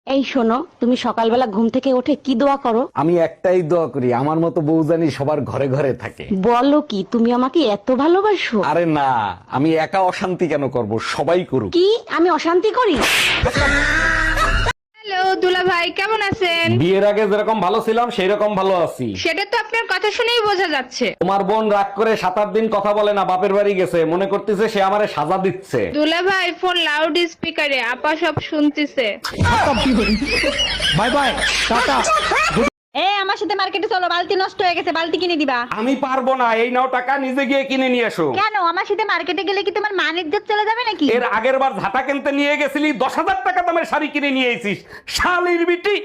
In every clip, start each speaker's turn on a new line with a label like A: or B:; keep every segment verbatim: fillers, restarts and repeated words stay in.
A: এই শোনো, তুমি সকালবেলা ঘুম থেকে উঠে কি দোয়া করো?
B: আমি একটাই দোয়া করি, আমার মতো বউ জানি সবার ঘরে ঘরে থাকে।
A: বলো কি, তুমি আমাকে এত ভালোবাসো?
B: আরে না, আমি একা অশান্তি কেন করব, সবাই করুক।
A: কি আমি অশান্তি করি?
C: হ্যালো দুলা ভাই, কেমন আছেন?
B: বিয়ের আগে যেরকম ভালো ছিলাম সেই রকম ভালো আছি।
C: সেটা তো আপনার কথা শুনেই বোঝা যাচ্ছে।
B: তোমার বোন রাগ করে সাত আট দিন কথা বলে না, বাপের বাড়ি গেছে, মনে করতেছে সে আমারে সাজা দিচ্ছে।
C: দুলা ভাই ফোন লাউড স্পিকারে, আপা সব শুনতিছে।
B: বাই বাই, টাটা।
D: এ আমার সাথে মার্কেটে চলো, বালতি নষ্ট হয়ে গেছে, বালতি কিনে দিবা।
B: আমি পারবো না, এই নাও টাকা, নিজে গিয়ে কিনে নিয়ে এসো।
D: কেন? আমার সাথে মার্কেটে গেলে কি তোমার মান ইজ্জত চলে যাবে নাকি?
B: এর আগের বার ঝাঁটা কিনতে নিয়ে গেছিলি, দশ হাজার টাকা দামের শাড়ি কিনে নিয়ে এসিস, শালির বিটি।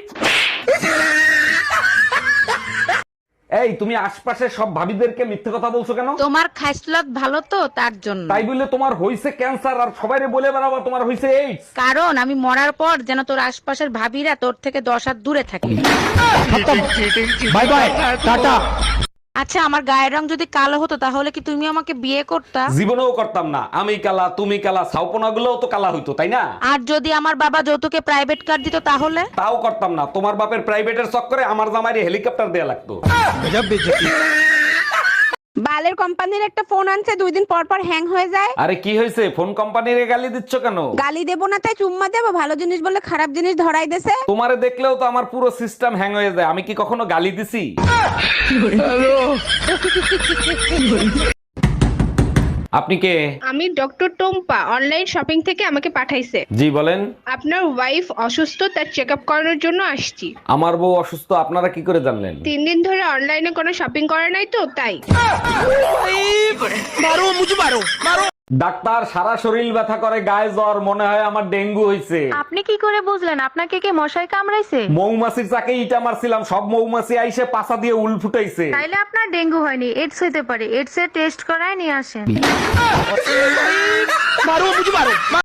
B: এই তুমি আশপাশের সব ভাবিদেরকে মিথ্যে কথা বলছো কেন?
A: তোমার খাইসলত ভালো তো, তার জন্য।
B: তাই বলে তোমার হইছে ক্যান্সার আর সবাইরে বলে বেড়াবো তোমার হইছে এইডস?
A: কারণ আমি মরার পর যেন তোর আশপাশের ভাবিরা তোর থেকে দশ হাত দূরে থাকে।
B: বাই বাই, টাটা।
A: আচ্ছা, আমার গায়ের রং যদি কালো হতো তাহলে কি তুমি আমাকে বিয়ে করতা?
B: জীবনেও করতাম না। আমি কালা, তুমি কালা, ছাউপনা গুলোও তো কালা হইতো, তাই না?
A: আর যদি আমার বাবা যৌতুকে প্রাইভেট কার দিত তাহলে?
B: তাও করতাম না। তোমার বাপের প্রাইভেটের চক্করে আমার জামাইরে হেলিকপ্টার দেয়া লাগতো।
E: বালের কোম্পানির একটা ফোন আনছে, দুই দিন পর পর হ্যাং হয়ে যায়।
B: আরে কি হয়েছে, ফোন কোম্পানিরে গালি দিচ্ছ কেন?
E: গালি দেবো না তাই চুম্মা দেবো? ভালো জিনিস বলে খারাপ জিনিস ধরাই দেছে।
B: তোমারে দেখলেও তো আমার পুরো সিস্টেম হ্যাং হয়ে যায়। আমি কি কখনো গালি দিছি? আপনি কে?
C: আমি ডক্টর টোম্পা, অনলাইন শপিং থেকে আমাকে পাঠাইছে।
B: জি বলেন।
C: আপনার ওয়াইফ অসুস্থ, তার চেক আপ করানোর জন্য আসছি।
B: আমার বউ অসুস্থ, আপনারা কি করে জানলেন?
C: তিন দিন ধরে অনলাইনে কোনো শপিং করে নাই তো, তাই।
B: ডাক্তার, সারা শরীর ব্যথা করে, গায়ে জ্বর, মনে হয় আমার ডেঙ্গু হইছে।
D: আপনি কি করে বুঝলেন? আপনাকে কে মশাই কামড়াইছে?
B: মৌমাছির চাকে ইটা মারছিলাম, সব মৌমাছি আইসে পাছা দিয়ে উল ফুটাইছে।
D: তাইলে আপনার ডেঙ্গু হয়নি, এডস হইতে পারে। এডস এর টেস্ট করায় নিয়ে আসেন।